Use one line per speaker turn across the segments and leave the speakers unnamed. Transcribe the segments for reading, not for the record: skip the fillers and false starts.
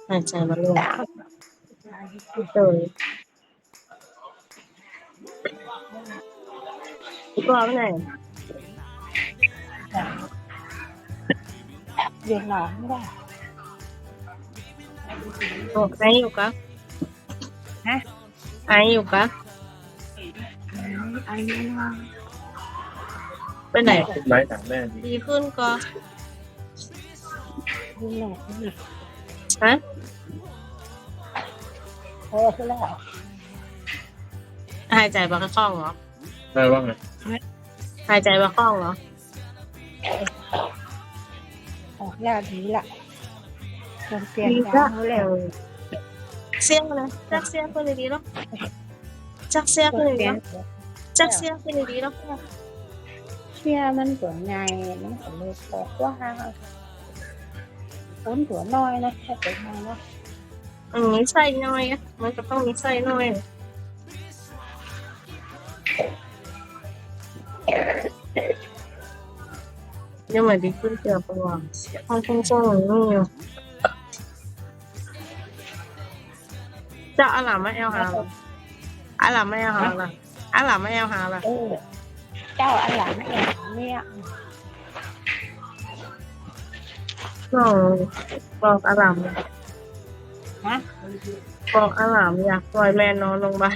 หายใจมาเลยเออก็เอาไปไหน
Việt Nam đó.
โอ้ไออยู่กะ
Hả?
ไออยู่กะ
Anh nó
ไปไหน
ไม้ถามแม่ดิ
ดีขึ้นก็
đi nè cái gì?
ฮะ
Thế là
หายใจบะคล่องเหรอ
แม่ว่าไง
หายใจบะคล่องเหรอ
ra đi lại. Còn
ดี
tiền
จ้ะ
ra nó lèo.
เสียงเลยจักเสียงขึ้นดีๆเนาะจักเสียงขึ้น
Còn
ดีๆ
tiền
เนาะจักเสียงขึ้นดีๆเนาะ
chia mình của ngày nó phải lột bỏ quá ha. 4 tuổi noi này, 2 tuổi này nó.
มีไส้น้อยอะมันก็ต้องมีไส้น้อยยังไม่ดีขึ้นเกือบประมาณห้องคงส่งนี่อยู่จะอาหลามไม่เอาหาละอาหลามไม่เอาหาละอาหลามไม่เอาหาละ
Ừ. Cháu ăn làm nó em mẹ.
บอกอาหลาม
Hả?
บอกอาหลามอยากปล่อยแม่นอนโรงพยาบาล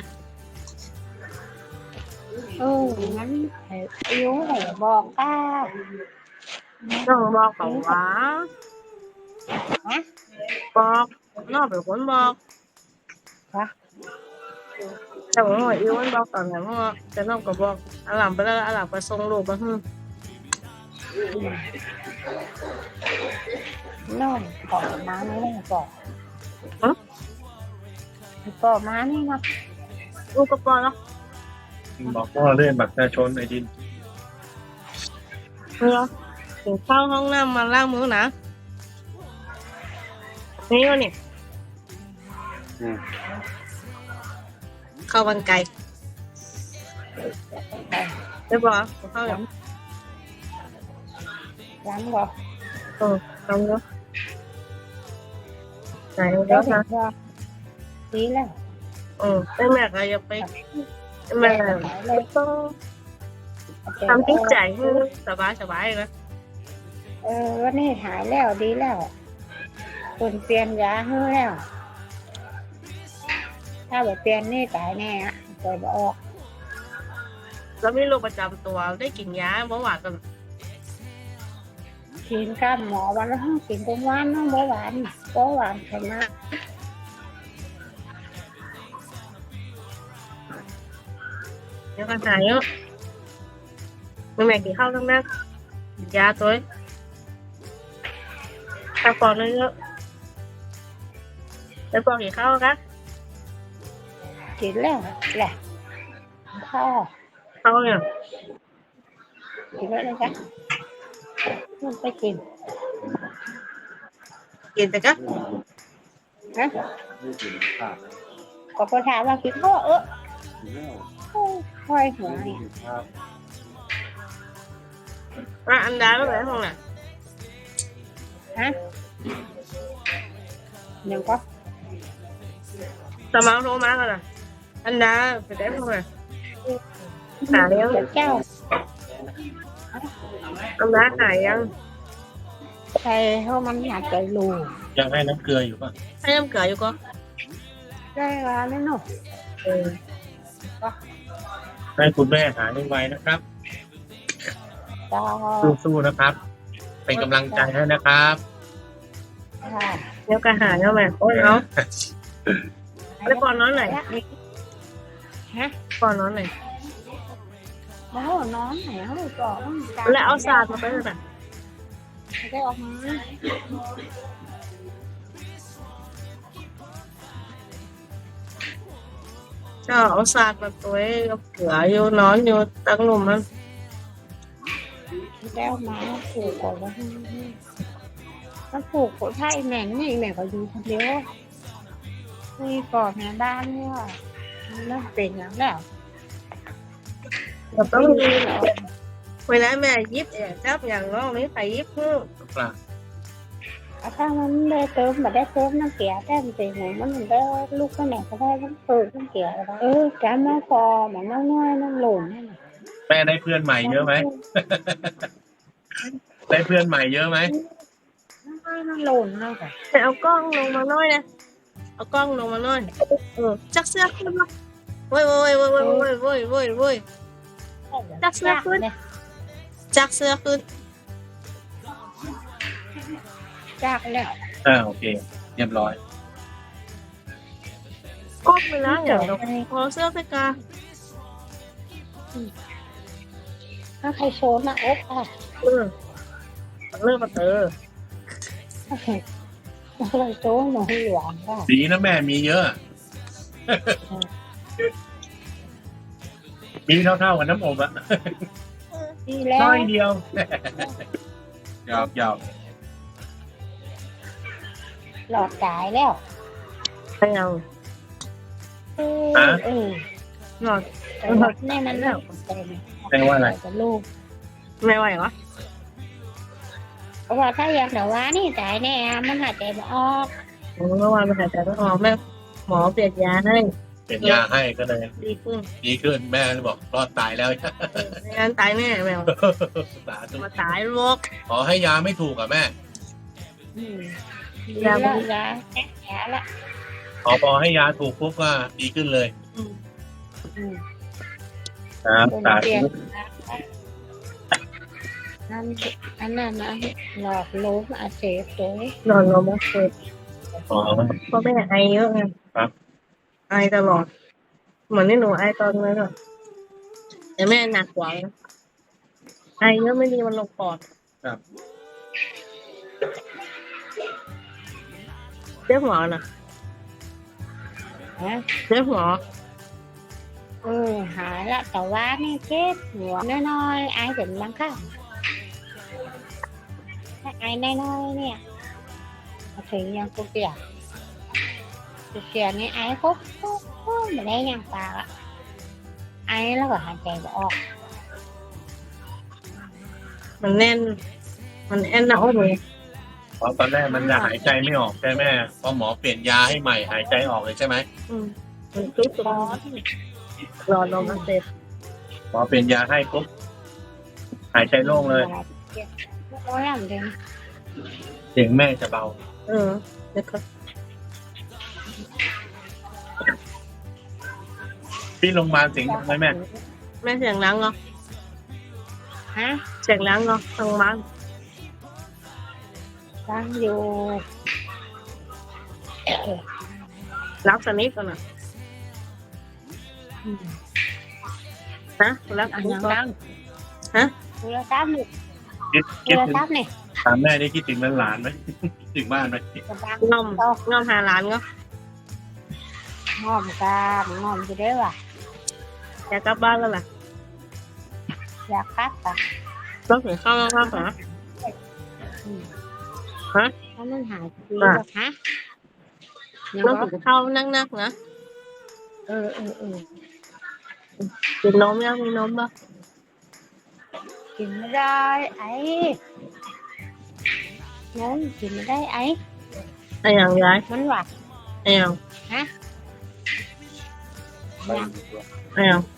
Ừ, ngắn yếu này bò ca.
ต้องบอกเขาว่า
Hả?
บอกน้องเป็นคนบอก
Hả?
แต่ว่าหัวอิ้วมันบอกตอนไหนว่าแต่น้องก็บอกอาหลามไปแล้วอาหลามไปส่งลูกมาฮึ
Nó bỏ má nó này bỏ. Bỏ má này mà.
ลูกก็ปล่อยแล้ว
บอกพ่อเล่นบัตรประชาชนไอ้ดิน
เนาะถึงเข้าห้องน้ำมาล้างมือนะนี่วะนี่เข้าบันไกได้ปะเข้าอย่าง
Lắm rồi.
ทำเนาะไหน
Đó
เดี๋ยว
thì
นะ
ra. Tí là.
แต่แม่ก็อย่าไปแม่ต้องทำที่ใจให้สบายๆนะ
วันนี้หายแล้วดีแล้วคนเปลี่ยนยาให้แล้ว ถ้าแบบเปลี่ยนนี่ตายแน่อะปล่อยบ่ออก
แล้วมีโรคประจำตัวได้กินยาเบาหวานกัน
กินกับหมอวันละกินทุกวันน้องเบาหวานไขมัน
เดี๋ยวก็หายเยอะแม่กินข้าวทั้งนั้นยาตัวถ้าปอนเยอะแล้วปอนกินข้าวกัน
กินแล้วแหละพ่อ
ข้าวเนี่ย
กินแล้วเลยจ้ะมันไปกิน
กินแต่ก็
ฮะก็พอถามว่ากินข้าวค่อยหัวเนี่ย
อันดาแล้วไหนห้องน่ะ
ฮะยังก็
สมาร์ทโทรมากันน่ะอันดาไปได้ห้องน่ะหายัง
เจ้า
อันดาหายยัง
ใครเขามันอยากจะรู้
ยังให้น้ำเกลืออยู่ป่ะ
ให้น้ำเกลืออยู่ก็
ได้แล้วนี่หนู
ให้คุณแม่หายไวๆนะครับ
จ้า
สู้ๆนะครับ เป็นกำลังใจให้นะครับ
ค่ะ
เดี๋ยวก็หายแล้วแม่โอ้ยเอาแล้วก่อนนอนไหน
ฮะ
ก่อนนอนไหน
แล้วนอนไหนเขาก่อน
แล้วเอาศาสตร์มาไปเลยน่ะ
ได้ออกมา
ก็เอาศาสตร์มาตัวเอาเกลืออยู่นอนอยู่ตั้งลมมัน
ได้ออกมาผูกก่อนแล้วมันผูกคนไทยแม่นี่แม่ก็อยู่คนเดียวนี่ก่อนแม่บ้านเนี่ยเริ่มเป็นแล้วแล้ว
เราต้อง
ดี
เวลาแม่ยิบอย่างจับอย่างน้องไม่ใครยิบ
ปลา
ถ้ามันได้เติมmàได้เติมน้ำเกลือได้มันเป็นอย่างมันได้ลูกก็ไหนก็ได้มันเปิดน้ำเกลือการมาพอมันน้อยน้ำหล่นนั่นแหละ
แม่ได้เพื่อนใหม่เยอะไหม ได้เพื่อนใหม่เยอะไหม
น้ำหล่นนั่นแหละ
แต่เอากล้องลงมาหน่อยนะเอากล้องลงมาหน่อยจักเสื้อขึ้นมาโว้ยโว้ยโว้ยโว้ยโว้ยโว้ยโว้ยโว้ยจักเสื้อขึ้นจักเสื้อขึ้น
จากแล้ว
โอเค เรียบร้อย
ก้มไปแล้วเดี๋ยวเราพอเสื้อไปกา
ถ้าใครโชว์หน้าอกอ่ะ
เลิกมาเตอ
ถ้าใครโชว์หนูหลวงอ่ะ
ดีนะแม่มีเยอะ มีเท่าๆกับน้ำอบอะ
ดีแล้ว
น้อยเดียว หยอก
หลอดจ่ายแล้ว
ไม่เอา หลอด
แต่หลอดแน่มันแล้วเต็ม
แปลว่าอะไร
กับลูก
ไม่ไหววะ
เพราะว่าถ้าอยากแต่ว่านี่จ่ายแน่มันหายใจไม่ออก
เมื่อวานไปหายใจไม่ออกแม่หมอเปลี่ยนยาให้
เป็นยาให้ก็เลย
ดีขึ้น
ดีขึ้นแม่เลยบอกรอดตายแล้ว
ไม่งั้นตายแน่แมว
สาธุ
มาตายโรค
ขอให้ยาไม่ถูกอ่ะแม่
ยาแผลละ
พอให้ยาถูกปุ๊บก็ดีขึ้นเลยครับ
เป็น
สา
เปลี่ยน
ธุ
อันนั้นนะหลอดลมอักเสบตัว
นอนลงมาเกิด
อ๋อ
เพราะแม่ไอเยอะไง
ครับ
ไอตลอดเหมือนที่หนูไอตอนนั้นอะแต่แม่หนักกว่านะไอเยอะไม่ดีมันลงปอด
ครับ
เจ็บหัวน่ะ
ฮะ
เจ็บหัว
หายละแต่ว่านี่เจ็บหัวน้อยๆไอถึงบางครั้งถ้าไอน้อยๆเนี่ยถึงยังกูเกียนี่ไอปุ๊บไม่ได้ยังปากอะไอแล้วก็หายใจไม่ออก
มันแน่น มันแน่นหน้าอกเลย
เพราะตอนแรกมันจะหายใจไม่ออกใช่ไหมพอหมอเปลี่ยนยาให้ใหม่หายใจออกเลยใช่ไหม
มันจุ๊บรอลงมาเสร็จ
หมอเปลี่ยนยาให้ปุ๊บหายใจโล่งเลย
โอ้ยเหมือนกัน
เสียงแม่จะเบา
เดี๋ยวก็
ที่โรงพยาบาลเสียงดังไหมแม่
แม่เสียงล้างเหรอ
ฮะ
เสียงล้างเหรอทางบ้าน
ตั้งอยู่
รักสนิทกันนะนะรัก
อัน
ทุก
ยัง
คน
ดัง
ฮะ
ดูแลตั้มนี่
คิด
ดูแล
ถึง
ตั้มนี่
ถามแม่ได้คิดถึงหลานๆไหม คิดถึงบ้านไหม
งอมงอมหาหลานก็
งอมกันงอมจะได้ว่ะ
อยากกลับบ้านแล้วล่ะ
อยากพักป่ะ
ต้องถึงข้าวมากๆนะ ฮะ
ถ้ามันหายดีแบบฮะยัง
ต้อง
ก็
ถึงข้าวนักๆนะ
เออ
กินนมยังมีนมป่ะ
กินไม่ได้ไอ้นั่นกินไม่ได้ไอ้
ไอ้อย่างยาย
มันหวาน
ไอ้อย่าง
ฮะ
ไป
ไอ้อย่าง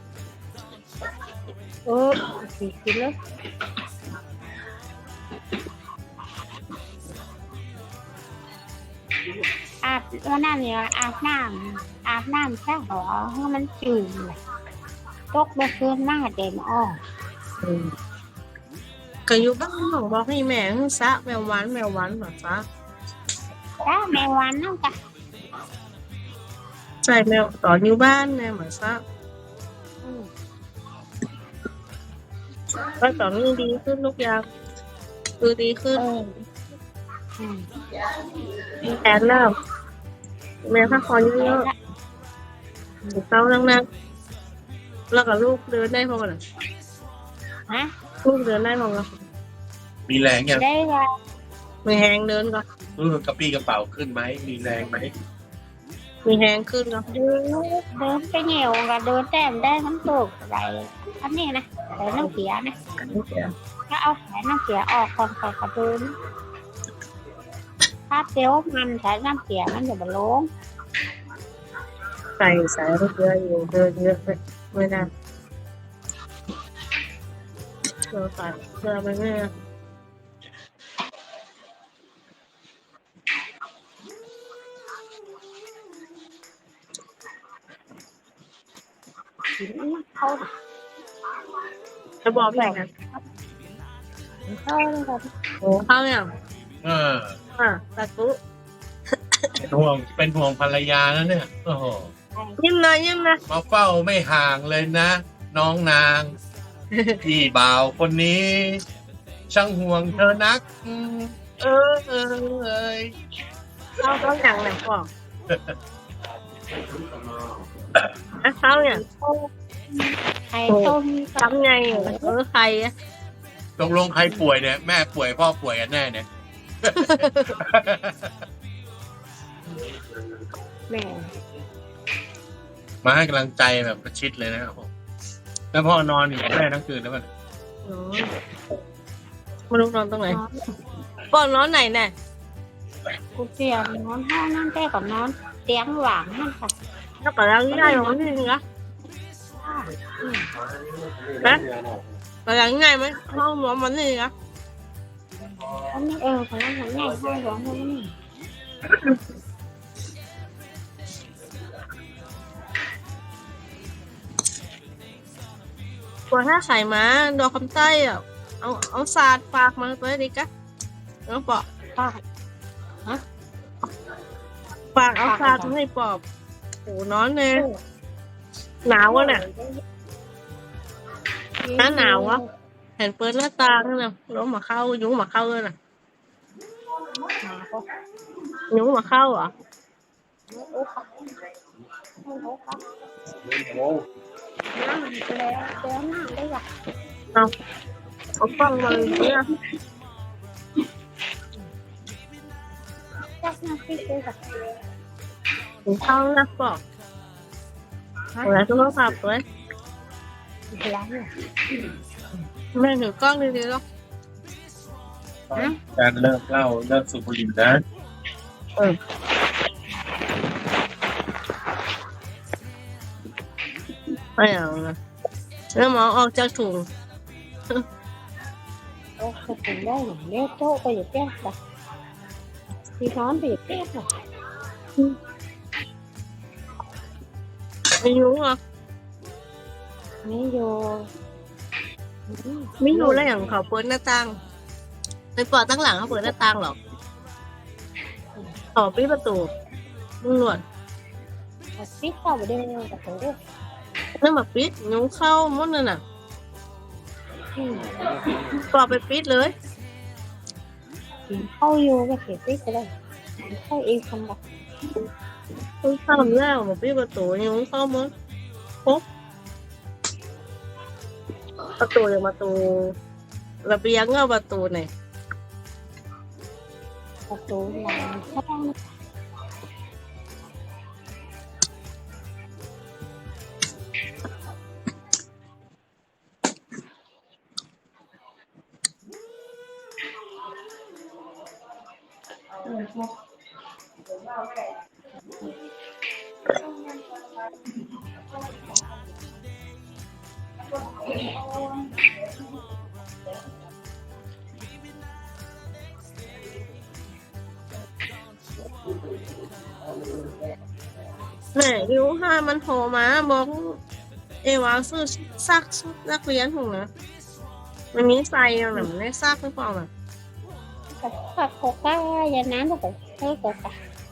กินเลยวันนั้นเนี่ยอาบน้ำซะหรอให้มันจืดเลยตกเมื่อคืนมาเต็มอ้อ
ก็อยู่บ้านของบอกให้แม่ให้ซะแมวหวานแบบซะ
จ้าแมววันนั่นจ้ะ
ใส่แมวต่ออยู่บ้านแม่เหมือนซะก็ตอนนี้ดีขึ้นทุกอย่างคือดีขึ้นแอนแล้วแม่พักผ่อนเยอะๆเข้านั่งแล้วก็ลูกเดินได้พอกัน
ฮะ
ลูกเดินได้พอกัน
มีแรงยัง
ได้ว่า
มีแหงเดินก็
กระปี้กระเป๋าขึ้นไหมมีแรงไหม
มีแหงขึ้นก็
เดินไปเหนียวกับเดินแต้มได้น้ำตกอะไรอันนี้นะแต่น้ำเสียนะก็เอาแผลน้ำเสียออกก่อนกระเดินถ้าเตี้ยวมันใช้น้ำเสียมันจะบลง
ใส่เยอะอยู่เยอะเลยไม่ได้เราใส่เกลือไปไม่ได้
กินเข้า
จะบอกแบ่งกัน
เข้าเลยครับ
โอ้ข้าวเนี่ย
เออ
ตะกุ
เป็นห่วงภรรยาแล้วเนี่ยโอ้โห
ยิ้มหน่อยยิ้มนะ
มาเฝ้าไม่ห่างเลยนะ น้องนางพี่บ่าวคนนี้ ช่างห่วงเธอนักเออเอ้ย
ข้าวต้องอย่างไหนบอกข้าวเนี่ย
ไข่ต้ม
ทำไงใครอะ
ตกลงใครป่วยเนี่ยแม่ป่วยพ่อป่วยกันแน่เนี่ย
แม่
มาให้กำลังใจแบบประชิดเลยนะครับผมแล้วพ่อนอนอยู่กับแม่ทั้งคืนแล้วมัน
ไม่รู้นอนตรงไหนก่อนนอนไหนแน่
กูเตียงนอนห้องนั่นแต่กับนอนเตียงหวังนั่นค่ะ
แล้วก็ล้างง่ายของนี่นึงนะนะล้างง่ายไหมห้องนอนมันนี่นะ
อันนี้ของเราของใหญ่ห้องหลวงห้องนี่
กว่าถ้าไข่ม้าดอกคำใต้อ่ะเอาสาดปากมาตัวนี้กะน้องปอบ
ป้า
ปากเอาสาดให้ปอบโหนอนเลยหนาววะเนี่ยหนาววะเห็นเปิดหน้าต่างนั่นน่ะล้มมาเข้ายุ้งมาเข้าเลยน่ะยุ้งมาเข้าเหรอ
น้ำแล้วน้ำได้หรอ
เอากล้องมาเลยเนี่ย
จักน้ำพริกได้หรอ
ถึงเข้านะปอบอะไรทุกคนขับเลย
ล้างเนี่ย
แม่ถือกล้องดีๆหรอ
การเลิกเหล้าเลิกสูบบุหรี่นะ
ไม่เอานะแล้วหมอออกจากถุง
โอ้จะถึงได้หรอเลี้ยวโต๊ะไปอยู่แก้ป่ะที่นอนไปอยู่แก้ป่ะ
ไม่ยุ้งเหรอ
ไม่อยู่
ไม่รู้แล้วอย่างเขาเปิดหน้าต่างในปอดตั้งหลังเขาเปิดหน้าต่างหรอกต่อปิดประตูตำรวจ
ปิดเข้าไปได้เลยกับตัว
นั่นมาปิดยุ้งเข้าหมดเลยน่ะปอไปปิดเลย
เข้าอยู่ก็เสียปิดไปเลยเข้าเองทำแบบ
ยุ้งเข้าแล้วมาปิดประตูยุ้งเข้าหมดปุ๊บประตูอย่างประตูระเบียงเอาประตูไหน
ประตูหลังห้อง
แม่ยุ้งห้ามันโทรมาบอกเอวาซื้อซักชุดนักเรียนของนะมันมีใส่หรือไม่ได้ซักหรือเปล่าน่ะ
กับโคก้าอย่าน้ำก็ใช้โคก้า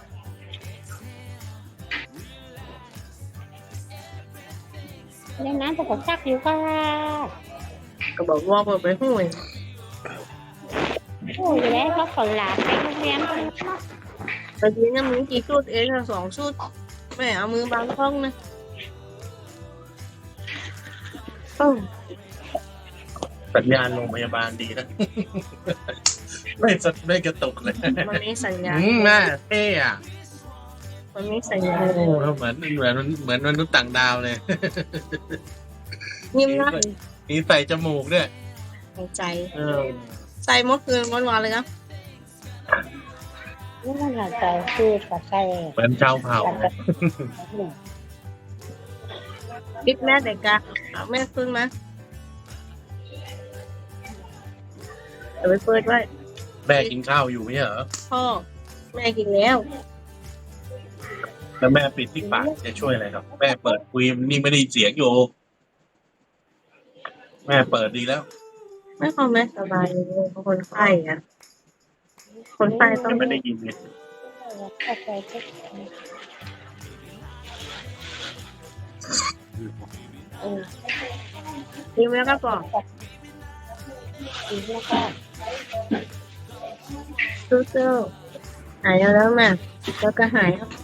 อย่าน้ำก็ซักอยู่ค่ะ
ก็บอกว่าเปิดไปห่วย
โอ้ยแล้วเขาขอลาไปโรงเรียนกัน
แต่ทีนี้มีกี่ชุดเองอะ2 ชุดแม่เอามือบังกล้องนะ
สัญญาณโรงพยาบาลดีนะ ไม่กระตุกเลย
มันมีสัญญาณ
แม่เท่อะ
มันมีสัญญาณ
โอ้เหมือนมนุษย์ต่างดาวเลย
ยิ้มนะ
มีใส่จมูกด้วย
หายใจ
เออ
ใส่เมื่อคืนวันๆเลยครับ
นี่มันหายใจคือกับใส่
เหมือนชาวเผ่า
กับ
บิ๊กแม่เด็กกะเอาแม่ขึ้นมาเดี๋ยวไปเปิดไว้
แม่กินข้าวอยู่ไม่ใช่เหรอ
พ่อแม่กินแล้ว
แล้วแม่ปิดที่ปากจะช่วยอะไรครับ แม่เปิดคุยนี่ไม่ได้ยินเสียงอยู่ แม่เปิดดีแล้ว
ไม่พอแม่สบายเลยเพราะคนไข้อะคนไข้ต้อง
จะไม่ได้ยินเลย
กับใส่ก็
ยิ้มแล้วก็บอก
ดีแล้วก็
สู้ๆหายแล้วแม่แล้วก็หายแล้ว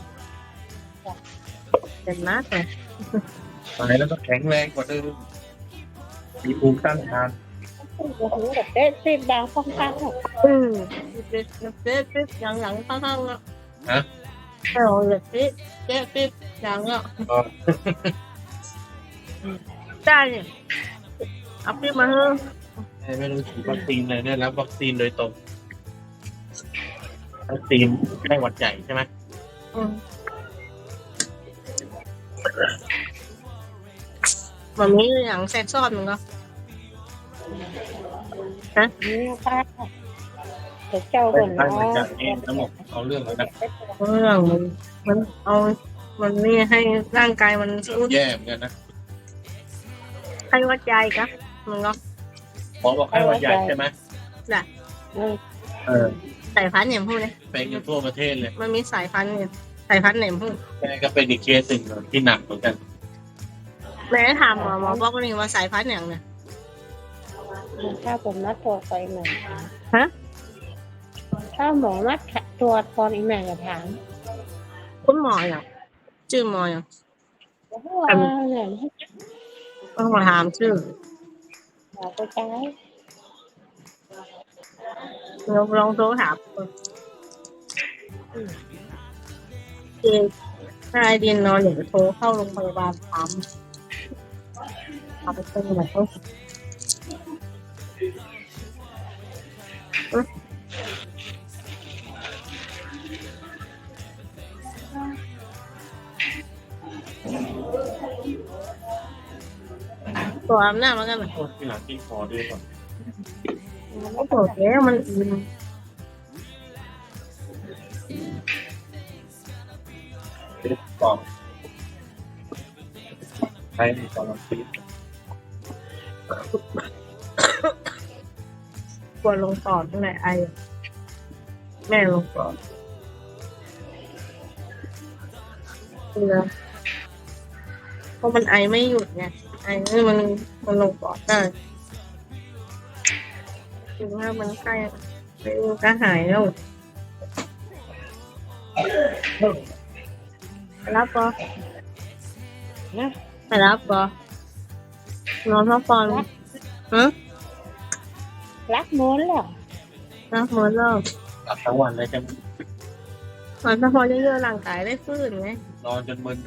เจ็บมากเลย
ตายแล้วก็แข็งแรงกว่าเดิมมีภูมิต้านทาน
โอ้โหแบบเต้นซีดาวฟังฟัง
เจ็บหลังข้างๆอ่ะ
ฮะ
เออเจ็บหลังอ่ะ
ก็
ได้เนี่ยเอาปิ๊บมาเถอะ
ไม่ต้องฉีดวัคซีนเลยได้รับวัคซีนโดยตรงวัคซีนไข้หวัดใหญ่ใช่ไหม
มันมีอย่างแทรกซ้อนมันก็
นี่ป้าเดี๋ยวเจ้า
เป็
ก่อน น
ไข้
เนา
หวัดใหญ่
ะ
เองทั้งหมดเอาเรื่องแล้วนะ
เรื่องมันเอามันนี่ให้ร่างกายมันสู้
แย่เหมือนกันนะ
ไข้หวัดใหญ่กะมันก็
หมอบอกไข้หวัดใหญ่ใช่ไหม เออ
สายพันธุ์อย่างพูดเลย
เป็นกันทั่วประเทศเลย
มันมีสายพันธุ์เนี่ยสายพันธุ์ไหนพูด
แม่ก็เป็นอีกเคสหนึ่งที่หนักเหมือนกัน
แม่ถามหมอบอกว่านี่ว่าสายพันธุ์อย่างเนี่ย
ถ้าผมนัดตัวไปหน่อย
ฮะ
ถ้าหมอนัดตัวตอนอีแม่จะถาม
คุณหมออย่างชื่อหมออย่าง
ว่าเนี่ย
ต้องมาถามชื่อ
หมอไปใช้
ลองโทรถามถ้าไอเดียนนอนเดี๋ยวโทรเข้าโรงพยาบาลถามเอาไปเป็นแบบเขาตัวอาบน้ำแล้วกันนะ
โทษที่หลังที่คอด้วยก่อน
โอ้โหแกมันอิ่ม
กล่องใช้ในกล่องซี
ปวดลงปอดตั้งแต่ไอแม่ลงปอดเพราะมันไอไม่หยุดไงไอนี่มันลงปอดได้ถึงว่ามันใกล้ก็หายแล้วไปรับปอ
นะ
ไปรับปอ นอนพักผ่อนฮะ
รักม้วนเหรอ
รับหมดแล้ว
หลับทั้งวันเลยจะ
นอนพักผ่อนเยอะๆร่างกายได้ฟื้นไง
นอนจนมึน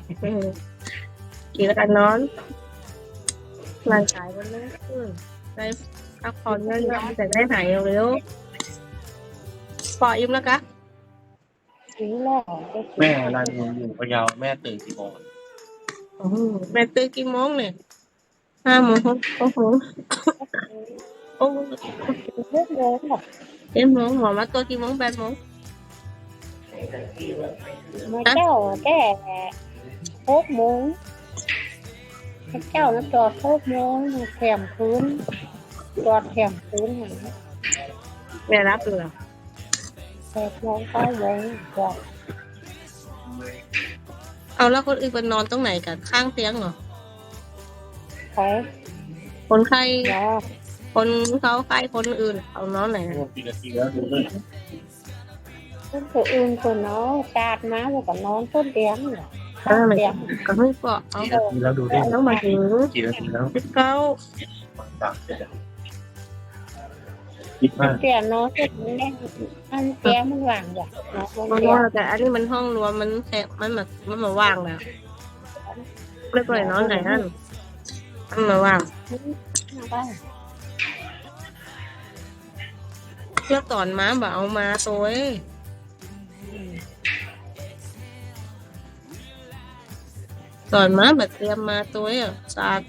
กินแล้วกันนอนร่างกายมันไม่ฟื้นได้พักผ่อนเยอะๆแต่ได้หายเร็วๆปออิ่มแล้วกะ
ถึงแล้ว
แม่รายงานอยู่พะเยาแม่ตื่นกี่โมง
แม่ตื่นกี่โมงเนี่ย5 โมงโอ้โหโอ้โห
เรื่องเดิมหรอ
7 โมงหมอมาตัวกี่โมง8 โมง
มาเจ้าแต่6 โมงเจ้าแล้วจอด6 โมงแถมพื้นจอดแถมพื้นอย่างนี้
แม่รับเลย
8 โมง9 โมงจอด
เอาแล้วคนอื่นไปนอนตรงไหนกันข้างเตียงเหรอ
ไป
คนไข้
รอ
คนเขาไข้คนอื่นเอานอนไหน
โอ้กี่นาทีแล้วดูเลย
คนอื่นคนน้องชาดมาแล้วก็นอนต้นเตียงเหรอ
ข้างไหนก็ไม่ปะเอา
กี่นาทีแล้วดูดิ
แล้วมาถึง
กี่นาทีแล้ว
19
ต่างคิดมาก
เตียงนอนเสร็จแล้วอันเตียงมันว่างจ้ะนอน
มัน
เตียง
ว่าแต่อันนี้มันห้องรวมมันแค่มันแบบมันมาว่างแล้วไม่ปล่อยนอนไหนนั่นมันมาว่าง
บ้าน
แล้วตอนมาแบบเอามาตัวตอนมาแบบเตรียมมาตัวอ่ะสาด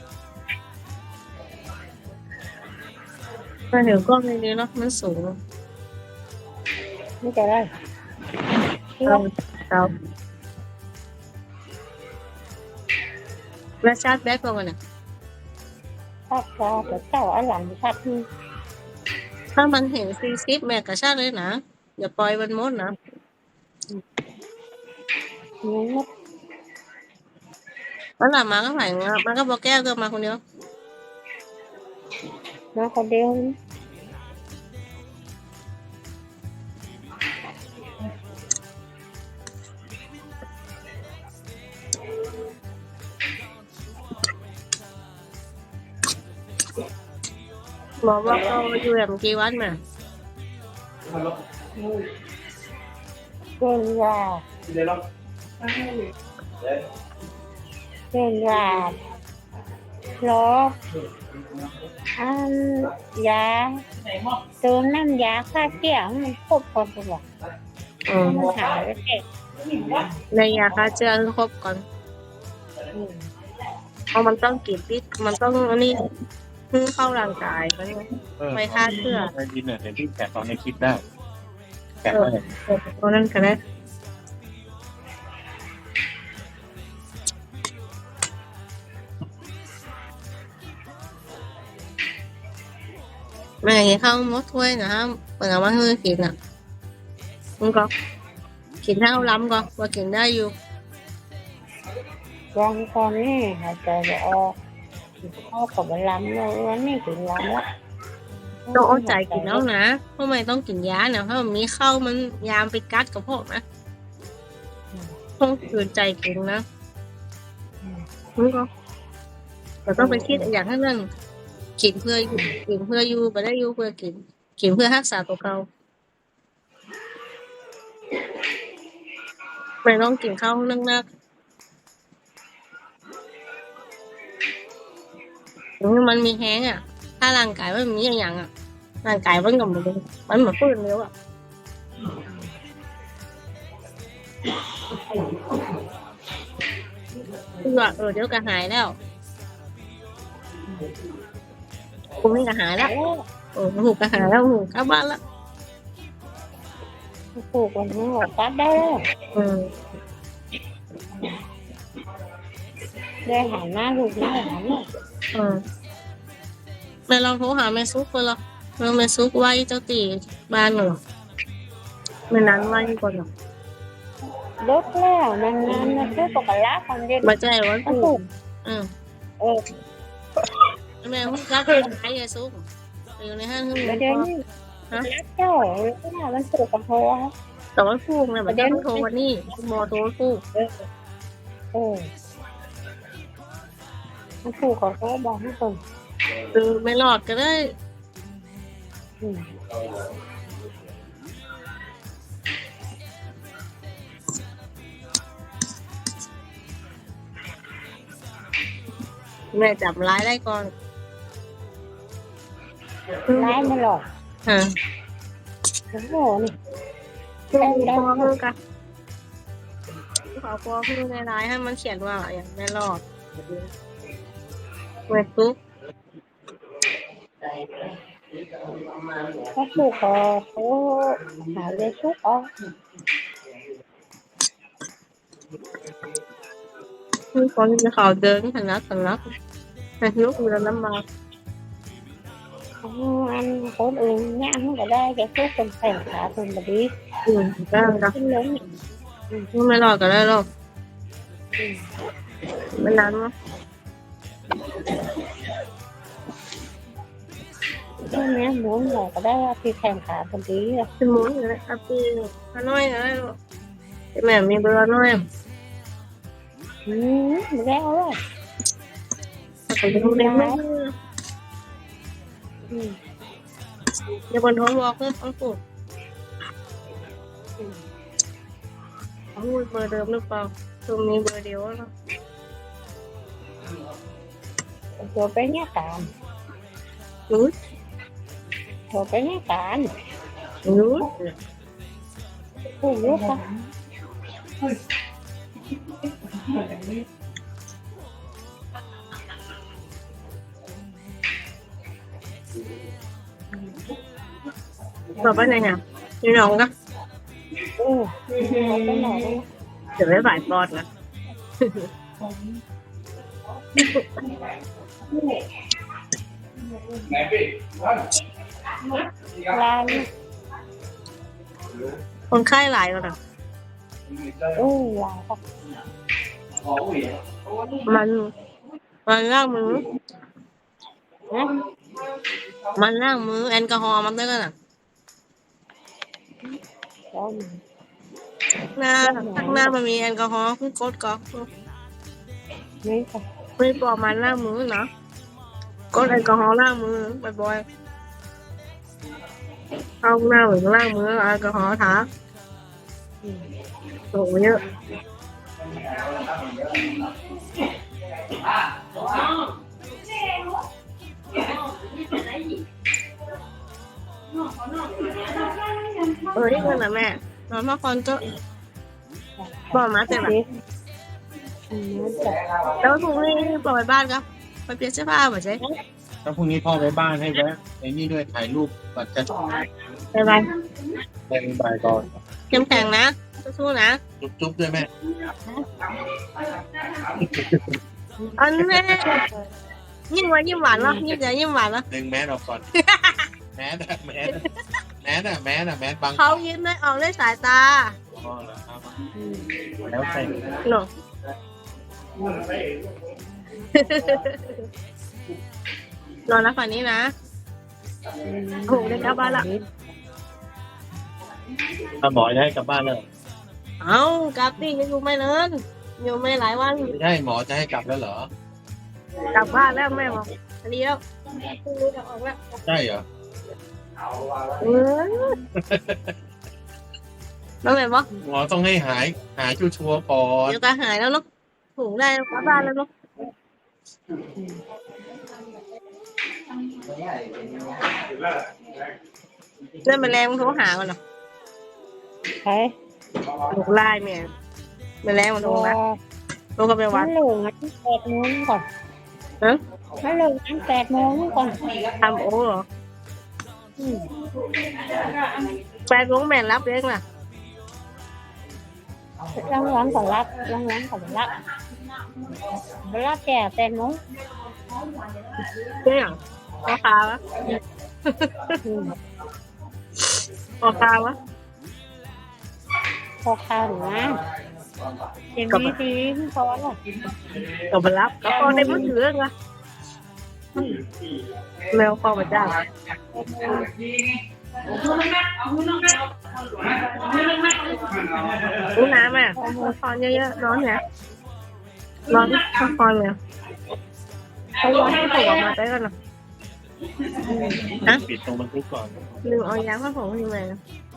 มาเดี๋ยวกล้องในนี้เนาะมันสูง
ไม่จะได้
เอาเอาแล้วชาร์จแบตก่อนนะ
ชัดก็แต่เจ้าอันหลังชัดนี่
ถ้ามันเห็น40แม่ก็ชาร์จเลยนะอย่าปล่อยมันหมดนะ
นี่
แล้วหลังมาก็ไหวมาก็บอกแก้วก็มาคนเดียว
มาคนเดียว
หมอบอกเราอยู่แบบกี่วันมา
เกินยาเกินยาล้ออันยาเติมน้ำยาฆ่าเชื้อมันครบคนตัว มันหายไปเด็ก
ในยาฆ่าเชื้อให้ครบก่อนเพราะมันต้องกินพิษมันต้องอันนี้เพิ่งเข้าร่างกายมันไปฆ่าเชื้อ
ได้ยินเนี่ยเห็นที่แกะตอนในคลิปได้แกะได้
เพราะนั้นก็ได้แม่ยังเข้ามดถ้วยนะครับเปิดเอามาให้กินอ่ะมันก็กินเท่าล้ำก็ว่ากินได้อยู่
ยังตอนนี้หายใจไม่ออกเข้ากับล้ำเลยวันนี้ถึงล้ำแล้ว
ต้องเอาใจกินแล้วนะเพราะไม่ต้องกินยานะเพราะมันมีเข้ามันยามไปกัดกับพวกนะต้องคืนใจกินนะมันก็แต่ต้องไปคิดอย่างนั้นกินเพื่ออยู่กินเพื่ออยู่ไม่ได้อยู่เพื่อกินกินเพื่อรักษาตัวเราไม่ต้องกินข้าวนักๆมันมีแห้งอ่ะ ถ้าร่างกายมันมีอย่างอ่ะร่างกายมันก็มันเหมือนฟื้นเร็วอ่ะคือว่าเดี๋ยวก็หายแล้วคุณนี่ก็หายแล้วหูก็หายแล้วหูกลับบ้านแล้ว
ปลูกวันนี้หัวตัดได้แล้ว ได้หาหน้าลูกได้หาหน้า
แม่ลองโทรหาแม่ซุกคนละแม่ซุกไว้เจ้าตีบ้านหนูไม่นั้นไว้ก่อนหรอก
ลดแล้วนานๆนะซื้อปกติคนเดียว
มาใจวัน
ก็
ผู
ถู
ก
ก
แม่หุ้นรักเป็นไอ้ยายซุกอยู่ในห้างหุ้น
ประเดี๋ยวนี้รักเจ้าก็ได้มันถูกกับโทร
แต่ว่าผูกเนี่ยมันจะโทรวันนี้มอโทรผูก
มันถูกกับโทรบอกให้คน
คือไม่หลอดก็ได้แม่จับร้ายได้ก่อน
ร้ายไม่หรอก
ฮะ
โอ้โหนี่
ได้เพื่อกันขอพอเพื่อในร้ายให้มันเขียนว่าอย่างไม่หลอดแม่ซุก
ถ้าถูกกับโทรหาเลยชุกออก
คือคนจะข่าวเดินสนักแต่ลุกอยู่แล้วน้ำมา
อันคนอื่นเนี่ยมันก็ได้แค่ชุกเป็นแผ่นขาเป็นแบบนี้
ได้ครับ
ขึ้นล้ม
ไม่รอดก็ได้หรอกไม่นานมั้ง
ช่วงนี้หมุนหัวก็ได้ว่าที่แผ่นขาเป็นดีอ่ะ
เป็นหมุนเลยครับพี่น้อยก็ได้หรอกแม่มีเบอร์น้อย
ไม่ได้เอาเลย
แต่จะดูเล็กไม่เดี๋ยวบนท้องวอลเพิ่มต้องปลูกพูดเบอร์เดิมหรือเปล่าตรงนี้เบอร์เดียวแล้ว
ตัวไปเนี่ยการ
รู้
ตัวไปเนี่ยการ
รู้
ผู้รู้ค่ะ
บอกว่าไงเนี่ยพี่น้องก็
ไปไหน
เดี๋ยวไม่บ่ายปอดนะ
ร้าน
คนไข้หลายแล้วนะ
หลายครับ
มันล้างมือ
นะ
มันล้างมือแอลกอฮอล์มันด้วยกันอ่ะ
แล้ว
หน้าข้างหน้ามันมีแอลกอฮอล์คือกดก็
นี่ค่ะ
ไม่ปอกมันล้างมือเนาะกดแอลกอฮอล์ล้างมือบ่อยๆเอาหน้าหรือล้างมือเอาแอลกอฮอล์ทาโอ้เยอะนี่กันนะแม่นอนพักผ่อนก็บอกมาเสร็จแล้วแล้วพรุ่งนี้ปล่อยบ้านครับไปเปลี่ยนเสื้อผ้าบ่ใช่
ถ้าพรุ่งนี้พ่อไปบ้านให้แวะไอ้นี่ด้วยถ่ายรูปก่อนจะ
ไปไป
แรงบ่ายก่อน
เข้มแข็งนะสู้ๆนะ
จุ๊บๆด้วยแม่
อันแม่ยิ้มหวานยิ้มหวานเนาะยิ้มใจยิ้มหวานเนาะ
ดึงแมสออกก่อนแมสอะแมสแมสบัง
เขายิ้มได้ออกได้สายตา
อ๋อเหรอครับแล้วใส่
เนาะนอนแล้วฝันนี้นะโหได้กลับบ้านละ
ถ้าหมอจะให้กลับบ้านเลย
เอากลับดิยังอยู่ไม่เนินอยู่ไม่หลายวัน
ไม่ใช่หมอจะให้กลับแล้วเหรอก
ลับบ้านแล้วแม่บอกอันนี้แล้วพรุ่งนี้จะออกแล้ว
ใช่เหรอ
น้องแม่บอก
หมอต้องให้หายชัวร์ๆก่อน
เดี๋ยวก็หายแล้วเนาะถูกได้กลับบ้านแล้วเนาะเรื่องแมลงมันโทรหาก่อนเนาะ
ใช่
ถูกไล่แม่แมลงมันโทรนะโทรเข้าไปวั
มั
ด
นลงงั้น8 โมงก่อน
ฮะ
มันลงงั้น8 โมงก่อน
ทำโอ้เหรอแฟนของแม่รับเองน่ะ
ล้างก่อนรับแก่8 โมง
เจ๊อย่างพอคาวะพอคาวะ
พอข้าวหนูนะเต็มที่พอแล้ว
ก็มารับก็พอในมือถือไงแมวคอมาจ้าอู้น้ำอ่ะคอนเยอะๆร้อนเนี่ยร้อนคอนเนี่ยเขาร้อนให้ผมออกมาได้กันหรอ
ปิดตรงบันทึกก่อน
ลืมเอายาผ้าผมยังไง